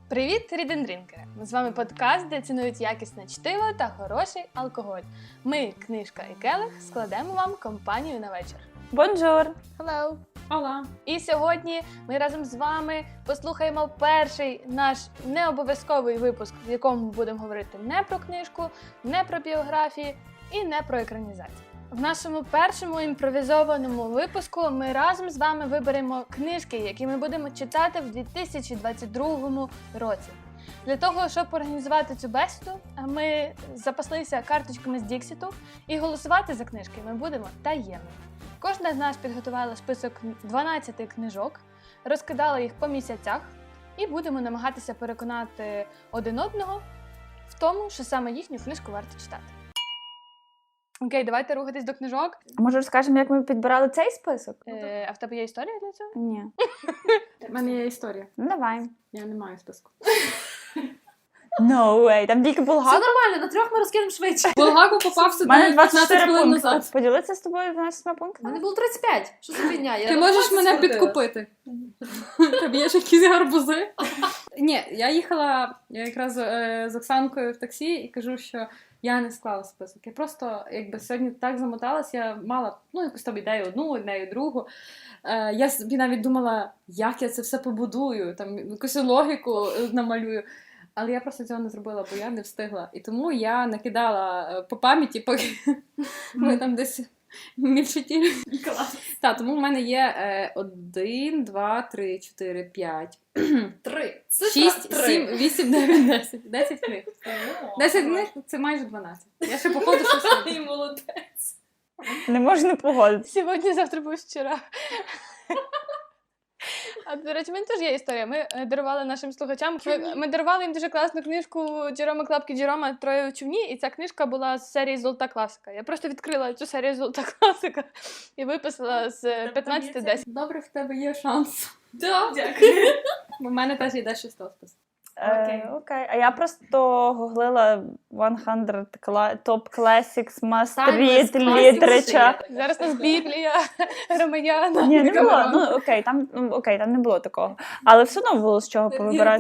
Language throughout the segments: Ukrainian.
Привіт, рідендрінкери! З вами подкаст, де цінують якісне чтиво та хороший алкоголь. Ми, книжка і келих, складемо вам компанію на вечір. Бонжур! Hello! Ола! І сьогодні ми разом з вами послухаємо перший наш необов'язковий випуск, в якому ми будемо говорити не про книжку, не про біографії і не про екранізацію. В нашому першому імпровізованому випуску ми разом з вами виберемо книжки, які ми будемо читати в 2022 році. Для того, щоб організувати цю бесіду, ми запаслися карточками з Діксіту і голосувати за книжки ми будемо таємно. Кожна з нас підготувала список 12 книжок, розкидала їх по місяцях і будемо намагатися переконати один одного в тому, що саме їхню книжку варто читати. Окей, давайте рухатись до книжок. Може розкажемо, як ми підбирали цей список? А в тебе є історія для цього? Ні. У мене є історія. Ну давай. Я не маю списку. No way, там тільки Все Булгаков. нормально, на трьох ми розкинемо швидше. Булгаков попав У сюди мене 15 24 хвилин пункти. назад. Поділитися з тобою 12 У пунктами? мене було 35. Що за фігня? Ти можеш мене підкупити. Тобі є ж якісь гарбузи? Ні, я їхала якраз з Оксанкою в таксі і кажу, що я не склала список. Я просто сьогодні так замоталась, я мала якусь там ідею одну, ідею другу. Я собі навіть думала, як я це все побудую, там якусь логіку намалюю. Але я просто цього не зробила, бо я не встигла. І тому я накидала по пам'яті, поки ми там десь мільчаті. Так, тому в мене є 1, 2, 3, 4, 5, 3. 6, 7, 8, 9, 10. 10 книг. 10 книг – це майже 12. Я ще походу щось роблю. І молодець. Не можу не погодитися. Сьогодні, завтра був вчора. А, до речі, в мене теж є історія. Ми дарували нашим слухачам, ми дарували їм дуже класну книжку Джерома Клапки Джерома «Троє у човні», і ця книжка була з серії «Золота класика». Я просто відкрила цю серію «Золота класика» і виписала з 15-10. Добре, в тебе є шанс. Дякую. Бо в мене теж йде 6 список. Окей. А я просто гуглила 100 Top Classics Must Read Literature. Зараз у нас Біблія, Ромаяна. Ні, не було. Ну, окей, там не було такого. Але все одно було з чого повибирати.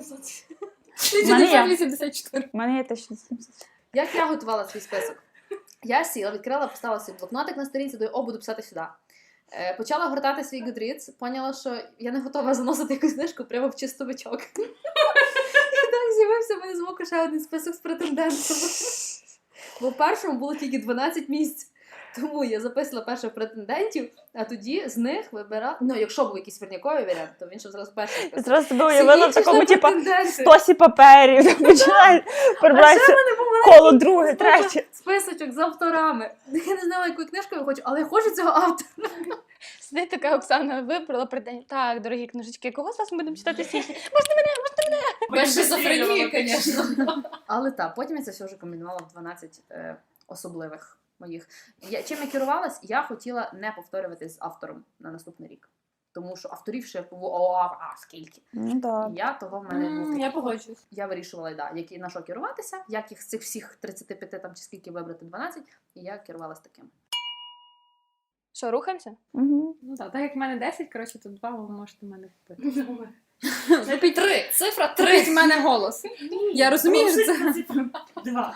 1984. У мене є 1700. Як я готувала свій список? Я сіла, відкрила, поставила свій блокнотик на сторінці, буду писати сюди. Почала гортати свій Goodreads, поняла, що я не готова заносити якусь книжку прямо в чистовичок. І так з'явився в мене з боку ще один список з претендентами. Бо в першому було тільки 12 місць. Тому я записала перших претендентів, а тоді з них вибирала... Ну, якщо був якийсь верняковий варіант, то він ще зразу перший список. Зразу себе уявила в Всі інші такому, ж типа, претенденти. стосі паперів. Починає перебратися коло друге, третє. Списочок з авторами. Я не знала, яку книжку я хочу, але я хочу цього автора. Сидить така Оксана, вибрала претендент. Так, дорогі книжечки, кого з вас ми будемо читати сьогодні? Без шизофренії, звісно. Але так, потім я це все вже комбінувала в 12 особливих моїх. Чим я керувалась? Я хотіла не повторювати з автором на наступний рік. Тому що авторів ще скільки. Ну так. Я того в мене був такий. Я погоджуюсь. Я вирішувала, на що керуватися, як їх з цих всіх 35 там чи скільки вибрати 12, і я керувалась таким. Що, рухаємося? Угу. Ну так як в мене 10, коротше, то 2 ви можете мене купити. Купіть 3. Цифра 3. Купіть в мене голос. Я розумію, що це... 2.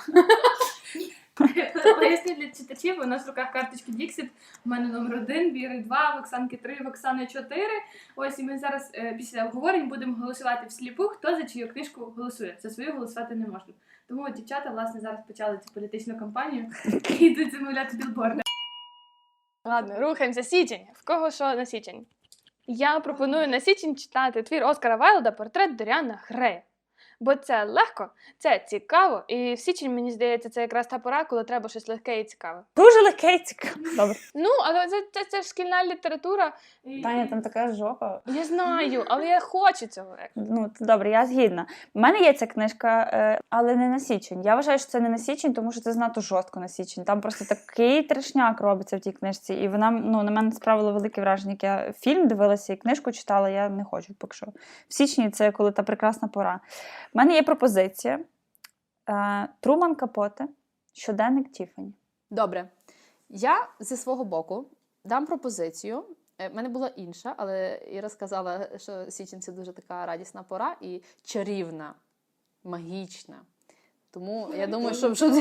Поясню для читачів, у нас в руках карточки Dixit, у мене номер 1, Віри 2, в Оксанки 3, в Оксани 4. Ось, і ми зараз після обговорень будемо голосувати всліпу, хто за чию книжку голосує. За свою голосувати не можна. Тому дівчата, власне, зараз почали цю політичну кампанію і йдуть замовляти білборди. Ладно, рухаємося. Січень. В кого що на січень? Я пропоную на січень читати твір Оскара Вайлда «Портрет Доріана Грея». Бо це легко, це цікаво, і в січень, мені здається, це якраз та пора, коли треба щось легке і цікаве. Дуже легке і цікаво. Добре. Ну, але це ж шкільна література. Таня, там така жопа. Я знаю, але я хочу цього. Ну, добре, я згідна. У мене є ця книжка, але не на січень. Я вважаю, що це не на січень, тому що це занадто жорстко на січень. Там просто такий трешняк робиться в тій книжці. І вона, на мене справила велике враження. Як я фільм дивилася і книжку читала, я не хочу поки що. В січні це коли та прекрасна пора. У мене є пропозиція. Труман Капоте, щоденник Тіфані. Добре. Я зі свого боку дам пропозицію В мене була інша, але Іра сказала, що січень це дуже така радісна пора і чарівна, магічна. Тому я думаю,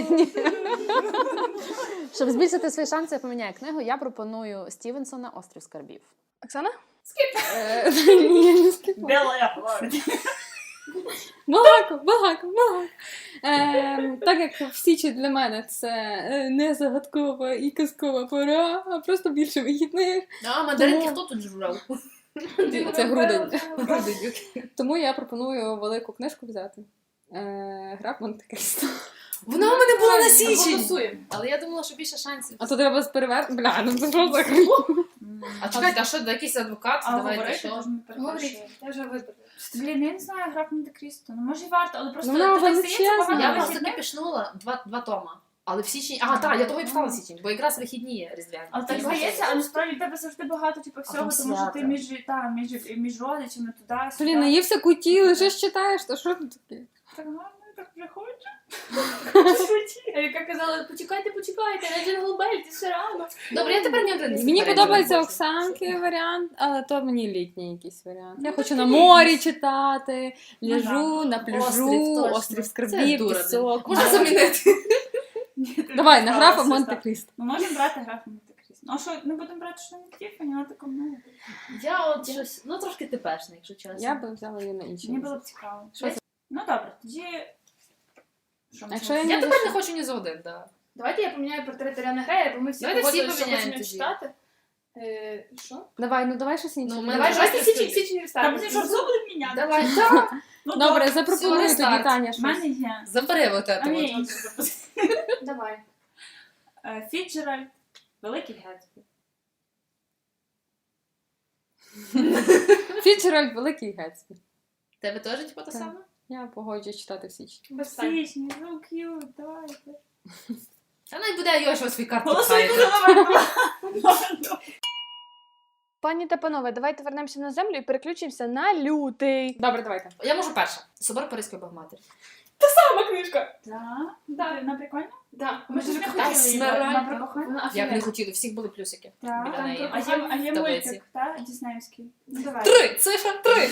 щоб збільшити свої шанси, я поміняю книгу, я пропоную Стівенсона «Острів скарбів». Оксана? Ні, не скипаю. Біла лорд. Балако. Так як в Січі для мене це не загадкова і казкова пора, а просто більше вихідних. А мандаринки хто тут жрав? Це грудень. Тому я пропоную велику книжку взяти. Гра Монте-Крісто. Вона у мене була на січень! Голосуємо. Але я думала, що більше шансів. А то треба перевернути. Бля, ну це що за А чекайте, а що, якийсь адвокат? А Давайте, говорити, що? тож ми перепрошуємо. Говоріть, я вже вибрала. Блін, я не знаю, гра Монте-Крісто. Ну, може і варто, але просто... Ну, вона ти так здається, величезна. багато Я Ага. просто вихідних. таки пішнула два тома. Але в січні... А, так, я того і писала січень, бо якраз вихідні різдвяні. Але так здається, але насправді в тебе завжди багато всього, там тому що свято. ти між родичами туди, сюди. Блін, наївся куті, лежиш читаєш, то що тут таке? Так гарно, так вже хочу. Яка казала, почекайте, на Джингл Белл, це ще рано. Добре, я тепер не один. Мені подобається Оксанки варіант, але то мені літній якийсь варіант. Я хочу на морі читати, ляжу на пляжу, Острів, точно. острів Це скарбів, дура, пісок. Можна замінити. Давай, на графа Монте-Крісто. Ми можемо брати граф Монте-Крісто. Ну, а що, не будемо брати що-небудь Тіфані, вона така мила. Я от щось, ну трошки типешне, якщо чесно. Я б взяла її на інший. Мені було б цікаво. Що це? Ну, добре, тоді... Що ми Якщо можемо? я Я тепер не хочу ні за один, так. Давайте я поміняю портрет Аріани Грея, бо ми всі Давайте всі погодилися, що поміняємо хочемо тоді. читати. Що? Давай щось інше. Ну, Давай, Давай, давайте давай, січень Та вставимо. будемо що, все будемо міняти? Давай. Ну, Добре, Все, запропонуй тоді, рестарт. Таня, В щось. мене є. Забери от А мені це. інше записати. Давай. Фіджеральд, Великий Гетсбі. Фіцджеральд Великий Гетсбі. Тебе теж типу те Так. саме? Я погоджуюсь читати в січні. Без питань. Січні, ну к'ют, давайте. Та навіть буде Йошua свій карт Голосуйте пхає. за номер. Пані та панове, давайте вернемося на землю і переключимося на лютий. Добре, давайте. Я можу перша. Собор Паризької Богоматері. Сама книжка. Так, вона прикольна? Да. Ми ж не Та хотіли її, смирай. вона прикольна. Вона Як не офігенна. хотіли, всіх були плюсики. Так, Біля неї. а є Таблиці. мультик, так, діснеївський. Ну, давай. 3! Цифра 3!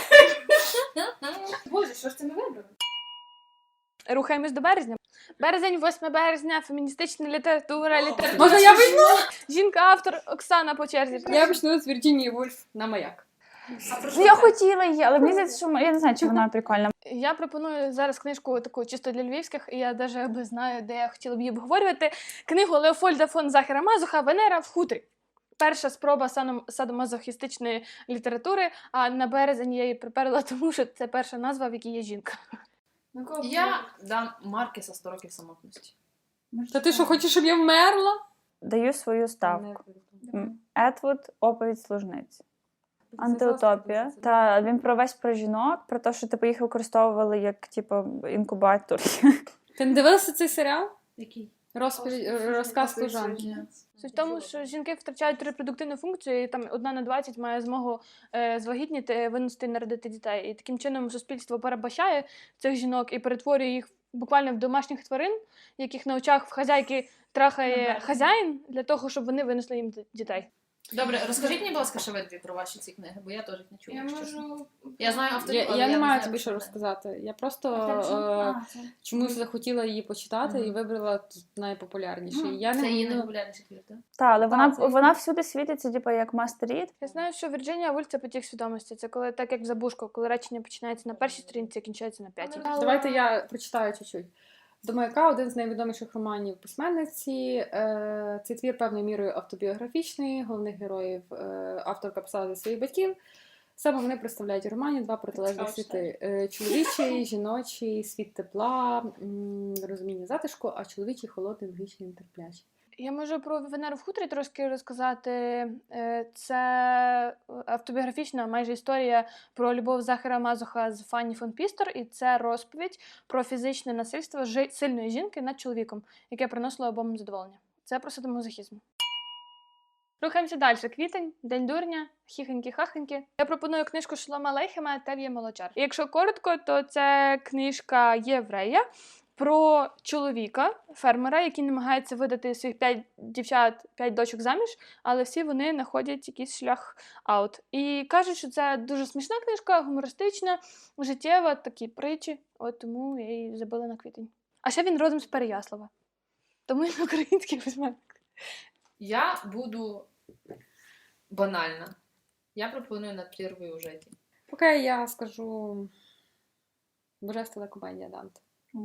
Боже, що ж це ми вибрали? Рухаємось до березня. Березень, 8 березня, феміністична література, Можна я візьму? Жінка-автор Оксана по черзі. Я почну з Вірджинії Вульф на маяк. Ну, я хотіла її, але мені здається, що я не знаю, чи вона прикольна. Я пропоную зараз книжку таку чисто для львівських, і я навіть знаю, де я хотіла б її обговорювати. Книгу Леофольда фон Захера Мазуха «Венера в хутрі». Перша спроба садомазохістичної літератури, а на березень я її приперла, тому що це перша назва, в якій є жінка. Я дам Маркеса 100 років самотності. Та ти що, хочеш, щоб я вмерла? Даю свою ставку. Етвуд, оповідь служниці. Антиутопія. Та він про жінок, про те, що типу їх використовували як типу інкубатор. Ти не дивилася цей серіал? Який? Розказ служанки. Суть в тому, що жінки втрачають репродуктивну функцію, і там 1 на 20 має змогу звагітніти, виносити і народити дітей. І таким чином суспільство перебачає цих жінок і перетворює їх буквально в домашніх тварин, яких на очах в хазяйки трахає хазяїн для того, щоб вони винесли їм дітей. Добре, розкажіть мені, будь ласка, ще ви про ваші ці книги, бо я теж їх не чула. Я якщо чесно. можу... Я знаю авторів, але Я не маю знаю, тобі про що це. розказати. Я просто Це. чомусь захотіла її почитати і вибрала найпопулярніший. Я Це не її ну, найпопулярніший твір, так? Так, але Так, це- вона всюди світиться, типу, як мастер-рід. Я знаю, що Вірджинія Вульф – це потік свідомості. Це коли, так як в Забушко, коли речення починається на першій сторінці, а кінчається на 5-й. Давайте я прочитаю чуть-чуть. До маяка один з найвідоміших романів письменниці. Цей твір певною мірою автобіографічний. Головних героїв авторка писала зі своїх батьків. Саме вони представляють у романі два протилежні світи: чоловічий, жіночий, світ тепла, розуміння затишку, а чоловічий холодний, логічний, нетерплячий. Я можу про Венеру в хутрі трошки розказати. Це автобіографічна майже історія про любов Захара Мазуха з Фанні фон Пістер, і це розповідь про фізичне насильство сильної жінки над чоловіком, яке приносило обом задоволення. Це про садомазохізм. Рухаємося далі. Квітень, День дурня, хіхенькі-хахенькі. Я пропоную книжку Шолома Алейхема «Тев'є молочар». І якщо коротко, то це книжка єврея, про чоловіка, фермера, який намагається видати своїх 5 дівчат, 5 дочок заміж, але всі вони знаходять якийсь шлях аут. І кажуть, що це дуже смішна книжка, гумористична, життєва, такі притчі, от тому я її забила на квітень. А ще він родом з Переяслава. Тому він український письменник. Я буду банальна. Я пропоную над прірвою у житті. Поки я скажу Божественна комедія Данте.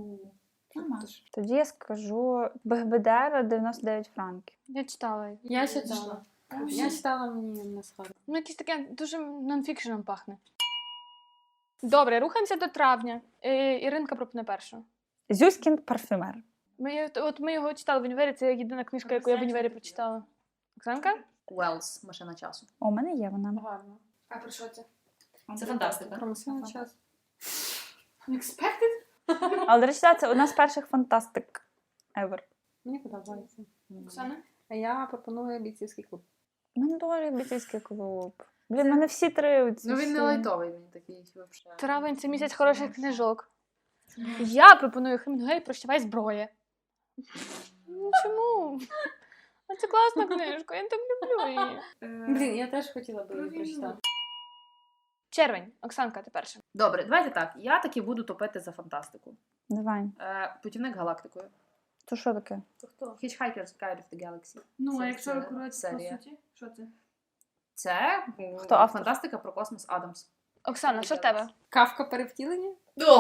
Тоді я скажу Бехбедера 99 франків. Я читала її. Я читала. Я читала, мені не схоже. Ну, якесь таке дуже нонфікшеном пахне. Добре, рухаємося до травня. Іринка пропоне першу. Зюськін парфюмер. Ми його читали в універі, це єдина книжка, яку я в універі прочитала. Оксанка? Уелс, машина часу. О, у мене є вона. Гарно. А про що це? Це фантастика. Промисловий час. Unexpected? Але, до речі, це одна з перших фантастик ever. Мені подобається. Оксана? А я пропоную бійцівський клуб. У мене дуже бійцівський клуб. Блін, мене всі три оці Ну він всі. не лайтовий, він такий взагалі. Травень – це місяць хороших книжок. Я пропоную Хемінгуей «Прощавай, зброя». Ну, чому? А це класна книжка, я так люблю її. Блін, я теж хотіла би її прочитати. Червень. Оксанка, ти перша. Добре, давайте так. Я таки буду топити за фантастику. Давай. Путівник галактикою. То що таке? Hitchhiker's Guide of the Galaxy. Ну, Це- а якщо це акурат серія. по суті, що це? Це Хто автор? фантастика про космос Адамс. Оксана, що в тебе? Кавка перевтілення?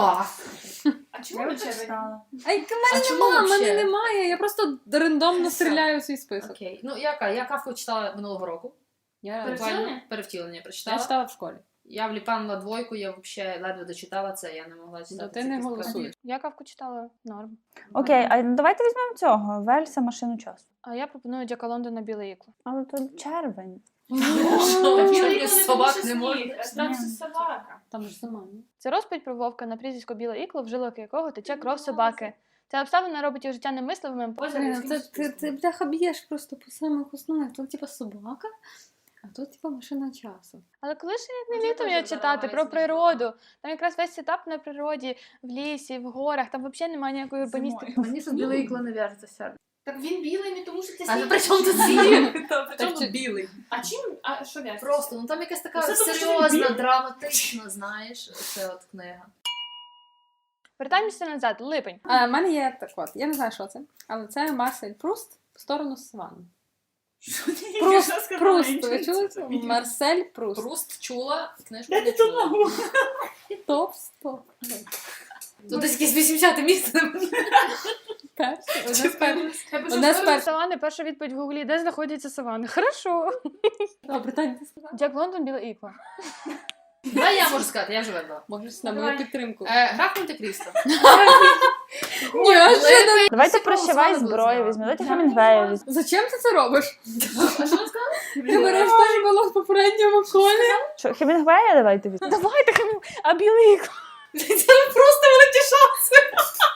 А чому ви червень? Ай, в мене чому нема, в вообще? мене немає. Я просто рандомно Все. стріляю у свій список. Окей. Ну, я Кавку читала минулого року. Я Перевтілення? Перевтілення прочитала. я читала в школі. Я вліпанула двойку, я взагалі ледве дочитала це, я не могла читати. Ну, ти ці не книжки. голосуєш. Я Кавку читала норм. Окей, а давайте візьмемо цього. Вельса машину часу. А я пропоную Джека Лондона «Біле ікло». Але тут червень. Чому собак не можна? Там собака. Там ж зима, ні? Це розповідь про вовка на прізвисько Біле ікло, в жилок якого тече кров собаки. Ця обставина робить його життя немисливим. Ти бляха б'єш просто по самих основах. Тут типа собака, а тут типа машина часу. Але коли ж як не літом я читати про природу, там якраз весь сетап на природі, в лісі, в горах, там взагалі немає ніякої урбаністики. Мені щось біле ікло не в'яжеться серце. Так він білий не тому, що це А сніг. при чому тут сніг? При Так чому чи- тут білий? А чим? А що в'яжеться? Просто, ну там якась така Це тому, що серйозна, він білий. драматична, знаєш, це от книга. Вертаємося назад, липень. А в мене є так от, я не знаю, що це, але це Марсель Пруст в сторону Саванни. Пруст, ви чули це? Марсель Пруст. Пруст чула, книжку не чула. Топ-100. Тут десь якесь 80-те місце. Перший, одне з перших. Я пишу, Одне з що перших. Савани, перша відповідь в гуглі, де знаходяться савани? Хорошо. Добре, Таня, ти сказала? Джек Лондон, Біле ікло. Давай я можу сказати, я вже вибрала. Можеш на Давай. мою підтримку. Гра Монте-Крісто. Неожиданно. Давайте Всі прощавай проголосували, зброю були візьмемо. Давайте Я Хемінгуея не візьмемо. Зачем ти це робиш? А що ви сказали? Ти береш те, що було в попередньому колі. Що, Хемінгуея давайте візьмемо? Давайте, а Біле ікло. Це просто великі шанси.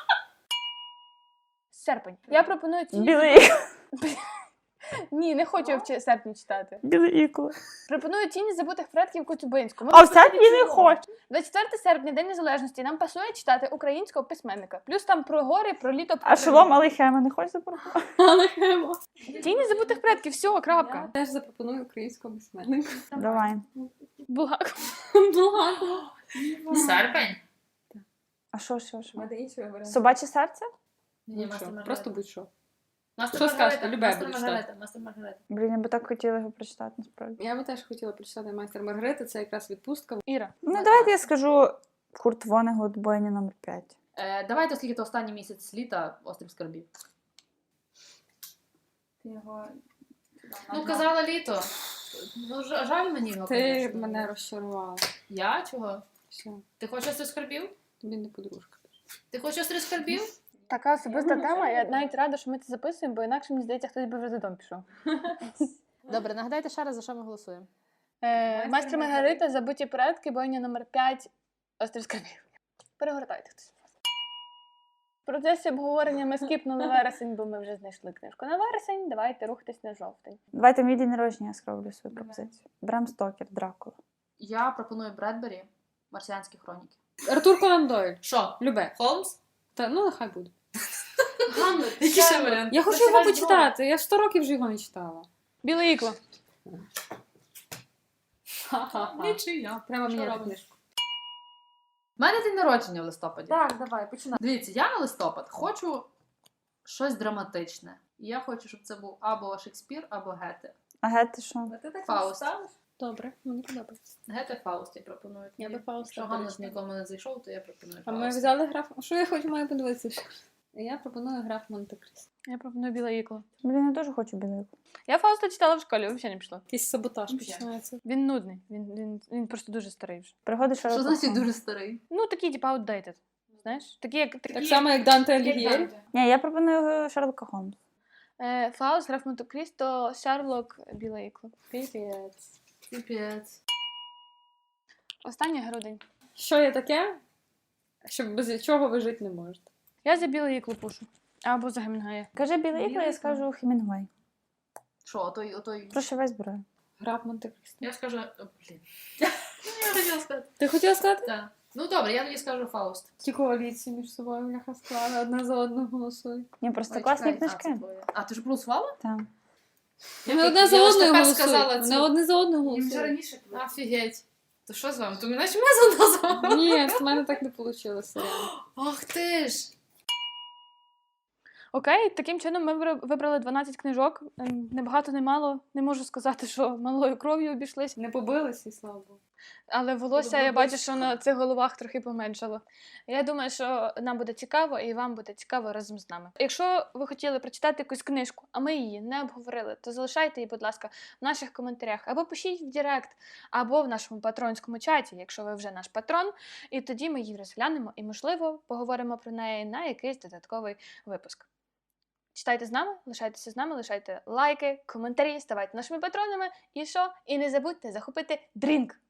Серпень. Я пропоную ті... Біле ікло. Ні, не хочу я в серпні читати. Біле ікло. Пропоную «Тіні забутих предків» Коцюбинську. А в серпні не хочу. 24 серпня, День Незалежності. Нам пасує читати українського письменника. Плюс там про гори, про літо, про А шолом Алейхема не хочеш запропонувати? Але хемо. «Тіні забутих предків», все, крапка. Я теж запропоную українського письменника. Давай. Булгаков. Благо. Серпень? А що? Мене іншого варіанту. Собаче серце? Ні, Будь-що, просто будь-що. Мастер Що Маргарита, скажете? Любе Мастер буду Маргарита, Мастер Маргарита. Блін, я би так хотіла його прочитати, насправді. Я би теж хотіла прочитати «Майстер Маргарита», це якраз відпустка. Іра. Ну, давайте я скажу Курт Вонегут, бойня номер 5. Давайте, оскільки то останній місяць літа, «Острів скарбів». Ти його... Ну, казала літо. Ну, жаль мені його, Ти конечно. мене розчарувала. Я? Чого? Все, Ти хочеш «Острів скарбів»? тобі не подружка. Ти хочеш «Острів скарбів»? Така особиста тема. Я навіть рада, що ми це записуємо, бо інакше, мені здається, хтось би вже додому пішов. Добре, нагадайте ще раз, за що ми голосуємо. Майстер Маргарита, забуті предки, бойня номер 5, острів скарбів. Перегортайте хтось. В процесі обговорення ми скіпнули вересень, бо ми вже знайшли книжку на вересень. Давайте рухатись на жовтень. Давайте мій день народження я скроблю свою пропозицію. Брам Стокер, Дракула. Я пропоную Бредбері, «Марсіанські хроніки». Артур Конан Дойль. Що? Любе. Холмс? Та, ну, нехай буде. Ганна, Який ще варіант? Я хочу його почитати, я 100 років вже його не читала. Біле ікло. Нічия. Треба Що міняти робимо? книжку. У мене день народження в листопаді. Так, давай, починай. Дивіться, я на листопад хочу щось драматичне. І я хочу, щоб це був або Шекспір, або Гете. А Гетти що? Фауст. Добре, мені подобається. Гете Фауст я пропоную. Я би Фауста Якщо Ганна перечитала. нікому не зайшов, то я пропоную А Фауст. ми взяли граф... Що я хочу, маю подивитися? Я пропоную граф Монте-Крісто. Я пропоную біле ікло. Блін, я дуже хочу білий. Я Фауста читала в школі, взагалі не пішло. Якийсь саботаж Взяли. починається. Він нудний, він просто дуже старий вже. Пригоди Що Шерлока значить Холмса. дуже старий? Ну, такий, типа, outdated. Знаєш? Такі, як Так само, як Данте Алігєрі. Ні, я пропоную Шерлока Холмса. Фауст, граф Монте-Крісто, Шерлок, біле ікло. Піпець. Піпець. Останній грудень. Що є таке, що без чого ви жити не можете? Я за біле ікло пушу. Або за Гемінгая. Кажи білий ікла, я скажу Хемінгуей. Що, отой... Прошивай зброю. Граф Монте-Крісто. Я скажу... О, блін. Я хотіла сказати. Ти хотіла сказати? Так. Ну добре, я тоді скажу Фауст. Ті коаліції між собою бляха склали, одна за одну голосують. Ні, просто Ой, класні чекай, книжки. це твоє. А, ти ж голосувала? Там. Вони одне за Я ж одною тепер голосують. сказала Вони це. одне за одною Їм вже голосують. раніше було. Офігеть. То що з вами? То мене ж ми назвали. Ні, в мене так не вийшло. Ах ти ж. Окей, таким чином ми вибрали 12 книжок. Не багато, не мало. Не можу сказати, що малою кров'ю обійшлись. Не побилися, і слава Богу. Але волосся, я бачу, що на цих головах трохи поменшало. Я думаю, що нам буде цікаво, і вам буде цікаво разом з нами. Якщо ви хотіли прочитати якусь книжку, а ми її не обговорили, то залишайте її, будь ласка, в наших коментарях, або пишіть в Директ, або в нашому патронському чаті, якщо ви вже наш патрон, і тоді ми її розглянемо і, можливо, поговоримо про неї на якийсь додатковий випуск. Читайте з нами, лишайтеся з нами, лишайте лайки, коментарі, ставайте нашими патронами. І що? І не забудьте захопити дрінк!